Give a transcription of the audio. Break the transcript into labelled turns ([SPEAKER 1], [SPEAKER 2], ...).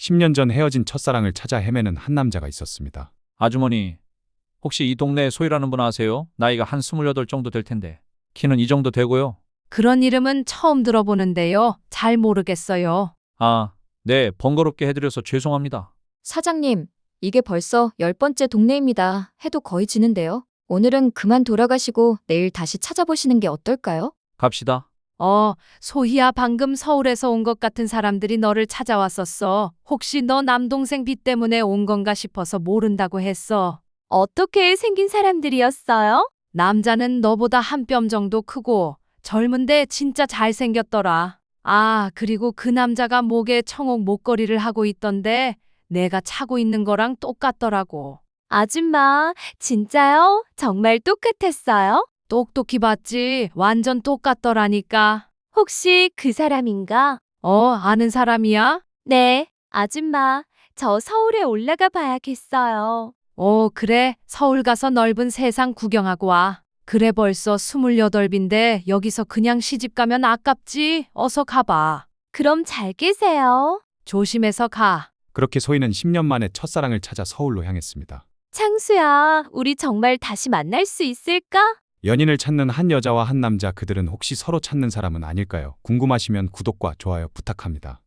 [SPEAKER 1] 10년 전 헤어진 첫사랑을 찾아 헤매는 한 남자가 있었습니다.
[SPEAKER 2] 아주머니, 혹시 이 동네에 소희라는 분 아세요? 나이가 한 28 정도 될 텐데. 키는 이 정도 되고요.
[SPEAKER 3] 그런 이름은 처음 들어보는데요. 잘 모르겠어요.
[SPEAKER 2] 아, 네, 번거롭게 해드려서 죄송합니다.
[SPEAKER 4] 사장님, 이게 벌써 10번째 동네입니다. 해도 거의 지는데요. 오늘은 그만 돌아가시고 내일 다시 찾아보시는 게 어떨까요?
[SPEAKER 2] 갑시다.
[SPEAKER 3] 소희야, 방금 서울에서 온 것 같은 사람들이 너를 찾아왔었어. 혹시 너 남동생 빚 때문에 온 건가 싶어서 모른다고 했어.
[SPEAKER 4] 어떻게 생긴 사람들이었어요?
[SPEAKER 3] 남자는 너보다 한 뼘 정도 크고 젊은데 진짜 잘생겼더라. 아, 그리고 그 남자가 목에 청옥 목걸이를 하고 있던데 내가 차고 있는 거랑 똑같더라고.
[SPEAKER 4] 아줌마, 진짜요? 정말 똑같았어요?
[SPEAKER 3] 똑똑히 봤지? 완전 똑같더라니까.
[SPEAKER 4] 혹시 그 사람인가?
[SPEAKER 3] 아는 사람이야?
[SPEAKER 4] 네, 아줌마, 저 서울에 올라가 봐야겠어요.
[SPEAKER 3] 그래. 서울 가서 넓은 세상 구경하고 와. 그래, 벌써 28인데 여기서 그냥 시집 가면 아깝지? 어서 가봐.
[SPEAKER 4] 그럼 잘 계세요.
[SPEAKER 3] 조심해서 가.
[SPEAKER 1] 그렇게 소희는 10년 만에 첫사랑을 찾아 서울로 향했습니다.
[SPEAKER 4] 창수야, 우리 정말 다시 만날 수 있을까?
[SPEAKER 1] 연인을 찾는 한 여자와 한 남자, 그들은 혹시 서로 찾는 사람은 아닐까요? 궁금하시면 구독과 좋아요 부탁합니다.